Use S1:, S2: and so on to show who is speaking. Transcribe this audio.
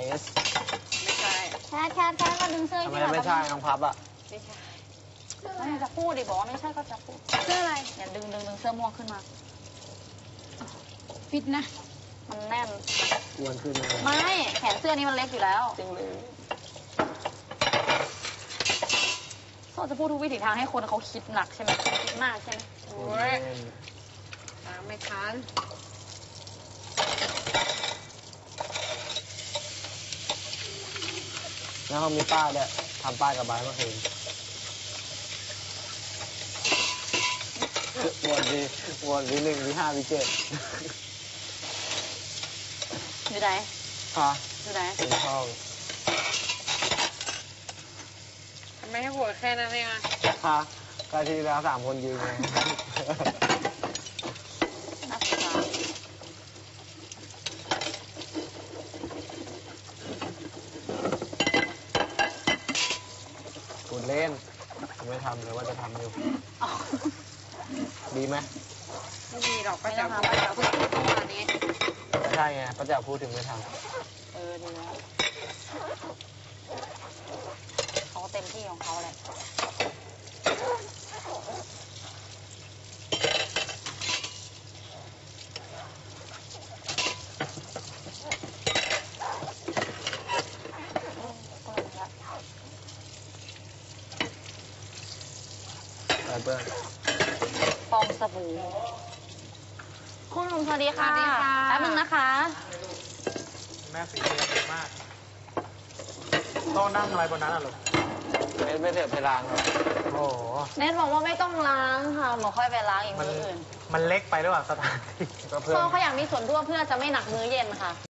S1: ส
S2: ไม่ใช่
S3: แคทมาดึงเสื้อ
S1: ทำไม
S3: ที่
S1: ไม่ใช่น้องพับอ่ะ
S2: ไม่ใช่แล้วจะพูดดิบอกว่าไม่ใช่ก็จะพูด
S3: เสื้ออะไร
S2: อย่าดึงเสื้อม่วงขึ้นมา
S3: ฟิตนะ
S2: มันแน่น
S1: อ้วนขึ้นเลย
S2: ไม่แขนเสื้อนี้มันเล็กอยู่แล้ว
S1: จริงเลย
S2: ก็จะพูดทุกวิถีทางให้คนเขาคิดหนักใช่ไหมคิดมากใช่ไหม
S3: โอ้ยตามไม่ทัน
S1: แล้วเขามีป้ายด้วยทำป้ายกับใบเมื่อคืนวนวีหนึ่งวีห้าวีเจ็ด
S2: อยู่ไหน
S1: ค่ะ
S2: อยู่ไหน
S1: เป็นห้อง
S3: ทำไมให้โหดแค่นั้นเองอะ
S1: ค่ะก็ที่แล้ว3 คนยืนไง
S2: นักศึกษา
S1: คุณเล่นไม่ทำเลยว่าจะทำอยู่
S2: อ๋อ
S1: ดีไหม
S3: ไม่มีหรอกป้า
S2: ไม่
S3: จ๋า
S2: ต้อง
S3: พูด
S2: ทำป้าจ๋าพูด
S3: เมื่อวานนี้
S1: ไม่ใช่ไงป้าแจ๋วพูดถึงไม่ท
S2: ดีแล้วเขาเต็มที่ของเขาแหละ
S1: ำไปเพื่อน
S2: ฟองสบู่คุณหนุ่มสวัสดีค่ะแป๊บนึงนะคะ
S4: แม่ฝีมือดีมากต้องนั่งอะไรบนนั้นอ่ะลูก
S1: ไม่เถอะไปล้างครับ
S4: โอ้โห
S2: เนทบอกว่าไม่ต้องล้างค่ะหมอค่อยไปล้างอีก
S4: มัน
S2: มื้ออื่น
S4: มันเล็กไปหรือเปล่าสถานที่
S1: ก็เพื่อน
S2: พ่อเขาอยากมีส่วนร่วมเพื่อจะไม่หนักมื้อเย็นค่ะ